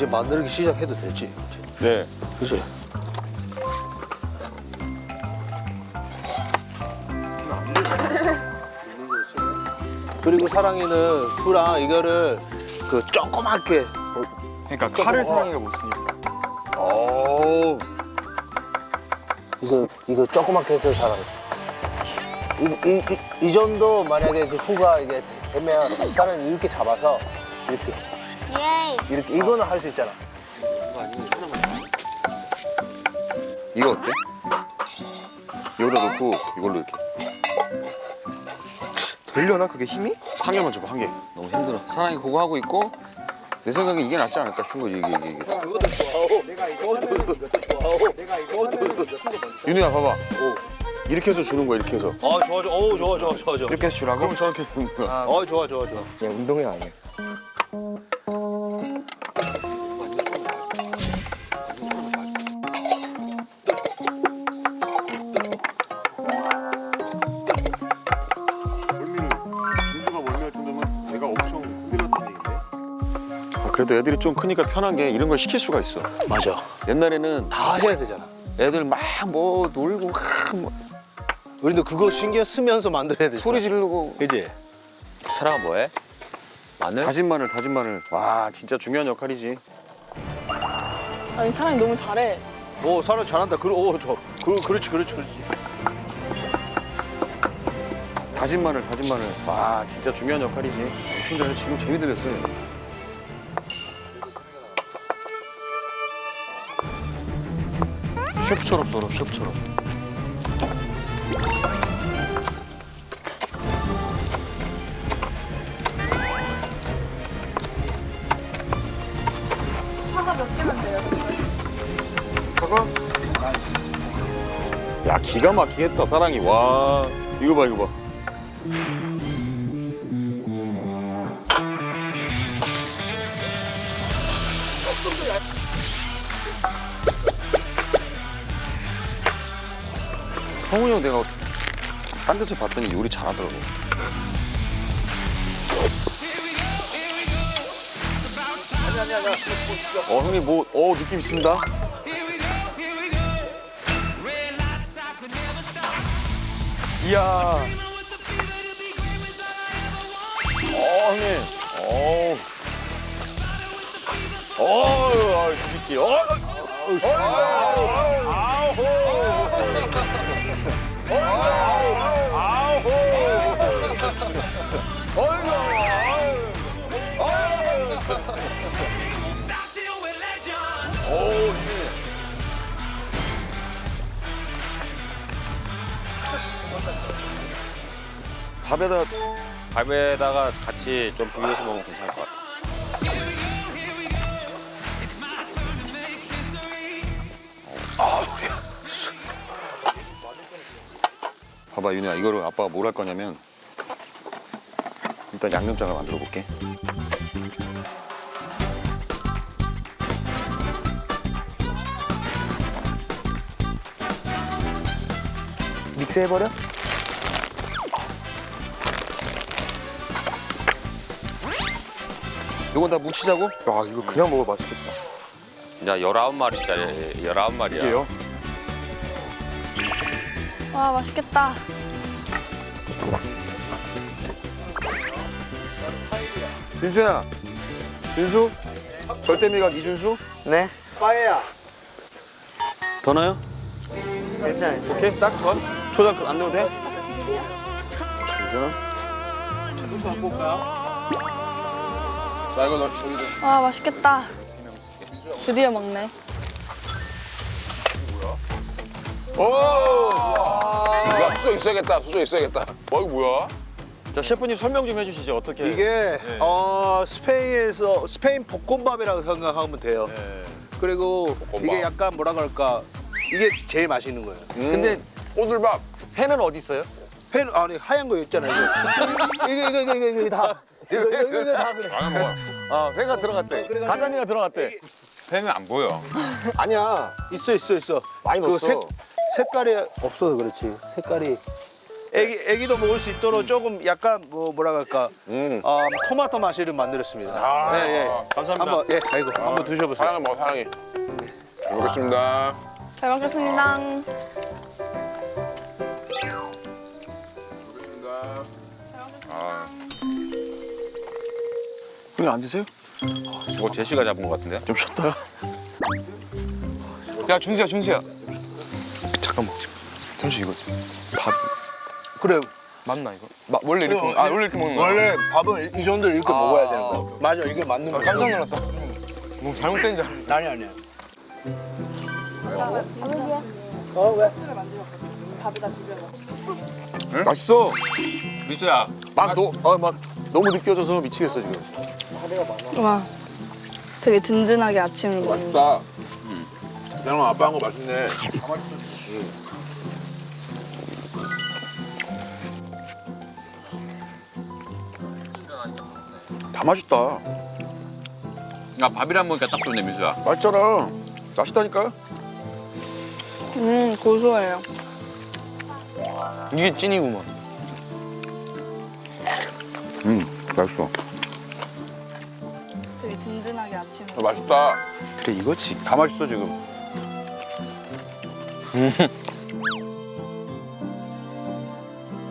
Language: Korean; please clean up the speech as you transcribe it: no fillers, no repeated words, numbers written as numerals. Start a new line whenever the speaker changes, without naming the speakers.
이제 만들기 시작해도 되지.
네.
그치? 그리고 사랑이는 후랑 이거를 그 조그맣게
그러니까 칼을 사랑이가 못 쓰니까. 오.
이거 조그맣게 해서 사랑이. 이 정도 만약에 그 후가 이게 되면 사랑이 이렇게 잡아서 이렇게
예이.
이렇게 이거는 할 수 있잖아.
이거 어때? 여기다 놓고 이걸로 이렇게.
되려나 그게 힘이?
한 개만 줘봐, 한 개. 너무 힘들어. 사랑이 그거 하고 있고 내 생각엔 이게 낫지 않을까 싶은 거지, 이게.
그것도 좋아하고 그것도 좋아하고 그것도
윤우야, 봐봐. 이렇게 해서 주는 거야, 이렇게 해서.
좋아.
이렇게 해서 주라고? 그럼 저렇게 주는 거야.
좋아.
그냥 운동회 안 해.
그래도 애들이 좀 크니까 편한 게 이런 걸 시킬 수가 있어.
맞아.
옛날에는
다 해야 되잖아.
애들 막 뭐 놀고 막 뭐
우리도 그거 신경 쓰면서 만들어야 돼.
소리 지르고.
그지?
사랑아 뭐해? 마늘?
다진 마늘. 와, 진짜 중요한 역할이지.
아니 사랑이 너무 잘해.
오, 사람 잘한다. 그렇지.
다진 마늘. 와, 진짜 중요한 역할이지. 엄청 잘해. 지금 재미 들렸어요. 셰프처럼 썰어, 셰프처럼.
사과 몇 개만 돼요?
사과? 야, 기가 막히겠다, 사랑이. 와, 이거 봐. 성훈이 형 내가 딴 데서 봤더니 요리 잘하더라고. 형님 느낌 있습니다. 이야. 형님. 주식기.
밥에다가 같이 좀 비벼서 먹으면 괜찮을 것 같아.
봐봐, 윤희야, 이거를 아빠가 뭘 할 거냐면 일단 양념장을 만들어 볼게.
믹스해버려?
이거 다 묻히자고?
아 이거 그냥 먹어 맛있겠다.
야 19마리짜리 19마리야.
이게요?
와 맛있겠다.
준수야. 준수? 절대미각 이준수?
네. 더 넣어요?
괜찮아요. 오케이, 딱 좋아. 초장 안 넣어도 돼?
와 맛있겠다. 드디어 먹네.
야, 수저 있어야겠다. 이거 뭐야?
자, 셰프님 설명 좀 해주시죠. 어떻게?
이게 스페인 볶음밥이라고 생각하면 돼요. 그리고 이게 약간 뭐라 그럴까? 이게 제일 맛있는 거예요.
근데
꼬들밥.
회는 어디 있어요?
회 아니 하얀 거 있잖아요. 이거 다 이거 다 그래.
라면 먹어.
아, 회가 들어갔대. 가자미가 들어갔대.
햄이 안 보여.
아니야
있어.
많이
그
넣었어.
색깔이 없어서 그렇지. 색깔이 애기도 먹을 수 있도록 조금 약간 뭐라 그럴까 토마토 맛을 만들었습니다. 예, 예.
감사합니다.
한번 아이고 한번 드셔보세요.
사랑해 먹어 사랑해. 잘 먹겠습니다.
잘 먹겠습니다.
먹겠습니다.
형님 안 드세요?
저거 제시가 잡은 것 같은데?
좀 쉬었다가.
야 준수야. 잠깐만. 잠시 이거 밥
그래
맞나 이거? 원래 이렇게 먹... 원래 이렇게 먹는 거야?
원래 밥은 이 정도 이렇게 먹어야 되는 거야. 맞아 이게 맞는 거야.
깜짝 놀랐다. 뭐 잘못된 줄 알았어.
아니야.
맛있어.
미수야.
막 너무 느껴져서 미치겠어 지금.
와, 되게 든든하게 아침을 먹는 거.
맛있다. 나랑 아빠 한 거 맛있네.
다 맛있다.
야, 밥이랑 먹으니까 딱 좋네, 미수야.
맛있잖아. 맛있다니까.
고소해요.
이게 찐이구만.
맛있어.
되게 든든하게 아침을
맛있다.
그래 이거지.
다 맛있어 지금.